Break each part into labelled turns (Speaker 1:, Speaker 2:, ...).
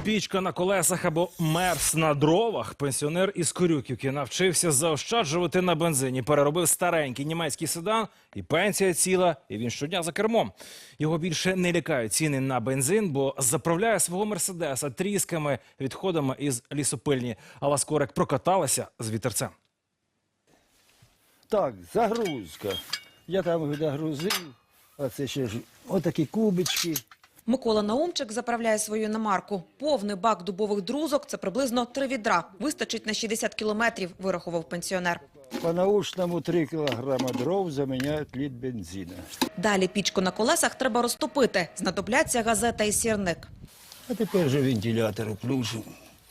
Speaker 1: Пічка на колесах або мерс на дровах. Пенсіонер із Корюківки навчився заощаджувати на бензині. Переробив старенький німецький седан, і пенсія ціла, і він щодня за кермом. Його більше не лякають ціни на бензин, бо заправляє свого мерседеса трісками, відходами із лісопильні. Алла Скорик прокаталася з вітерцем.
Speaker 2: Так, загрузка. Я там загрузив, а це ще ж отакі кубички.
Speaker 3: Микола Наумчик заправляє свою іномарку. Повний бак дубових друзок – це приблизно 3 відра. Вистачить на 60 кілометрів, вирахував пенсіонер.
Speaker 2: По-научному 3 кілограма дров заміняють літр бензину.
Speaker 3: Далі пічку на колесах треба розтопити. Знадобляться газета і сірник.
Speaker 2: А тепер же вентилятор включимо.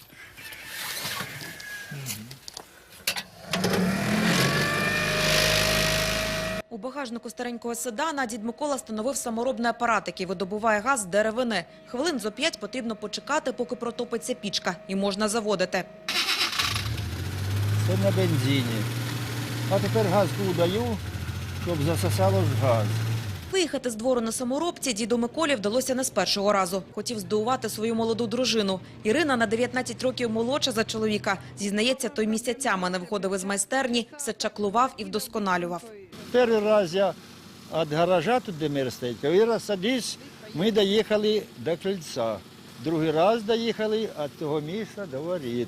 Speaker 3: У багажнику старенького седана дід Микола встановив саморобний апарат, який видобуває газ з деревини. Хвилин зо 5 потрібно почекати, поки протопиться пічка, і можна заводити.
Speaker 2: Це на бензині. А тепер газку даю, щоб засосало ж газ.
Speaker 3: Виїхати з двору на саморобці діду Миколі вдалося не з першого разу. Хотів здивувати свою молоду дружину. Ірина на 19 років молодша за чоловіка. Зізнається, той місяцями не виходив із майстерні, все чаклував і вдосконалював.
Speaker 2: Перший раз я від гаража, тут де мир стоїть, перший раз садись, ми доїхали до кільця. Другий раз доїхали від того місця до воріт.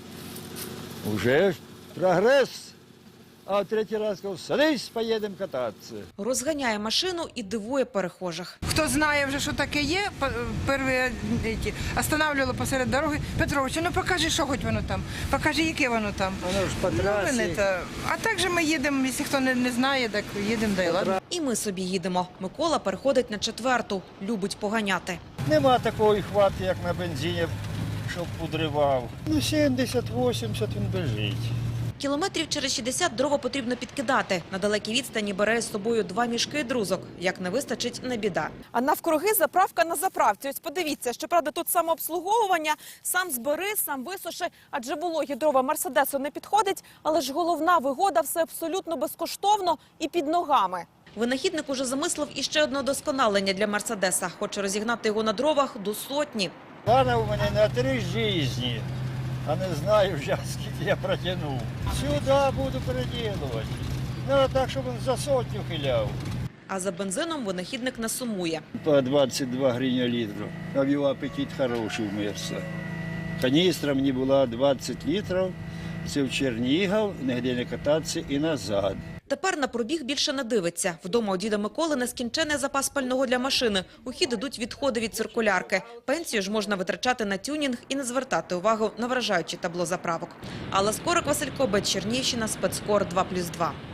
Speaker 2: Уже прогрес. А в третій раз сказав, садись, поїдемо кататися.
Speaker 3: Розганяє машину і дивує перехожих.
Speaker 4: Хто знає вже, що таке є, перші останавливали посеред дороги. Петрович, ну покажи, що хоч воно там, покажи, яке воно там.
Speaker 2: Воно ж по трасі.
Speaker 4: А так же ми їдемо, якщо хто не знає, так їдемо, да й ладно.
Speaker 3: І ми собі їдемо. Микола переходить на 4-ту, любить поганяти.
Speaker 2: Нема такої хвати, як на бензині, щоб подривав. Ну, 70-80 він біжить.
Speaker 3: Кілометрів через 60 дрова потрібно підкидати. На далекій відстані бере з собою 2 мішки друзок. Як не вистачить, не біда. А навкруги заправка на заправці. Ось подивіться, щоправда, тут самообслуговування, сам збери, сам висуши, адже вологі дрова Мерседесу не підходить, але ж головна вигода – все абсолютно безкоштовно і під ногами. Винахідник уже замислив іще одне досконалення для Мерседеса. Хоче розігнати його на дровах до 100.
Speaker 2: Плани у мене на 3 житті, а не знаю вже, скільки я протягнув. Сюди буду переділувати. Ну, так, щоб він за 100 хиляв.
Speaker 3: А за бензином винахідник не сумує.
Speaker 2: По 22 гривні літру. А його апетит хороший в Мерса. Каністра мені була 20 літрів. Це в Чернігів, нігде не кататися і назад.
Speaker 3: Тепер на пробіг більше не дивиться. Вдома у діда Миколи нескінчений запас пального для машини. У хід ідуть відходи від циркулярки. Пенсію ж можна витрачати на тюнінг і не звертати увагу на вражаюче табло заправок. Алла Скорик, Василь Кобець, Чернігівщина, Спецкор 2+2.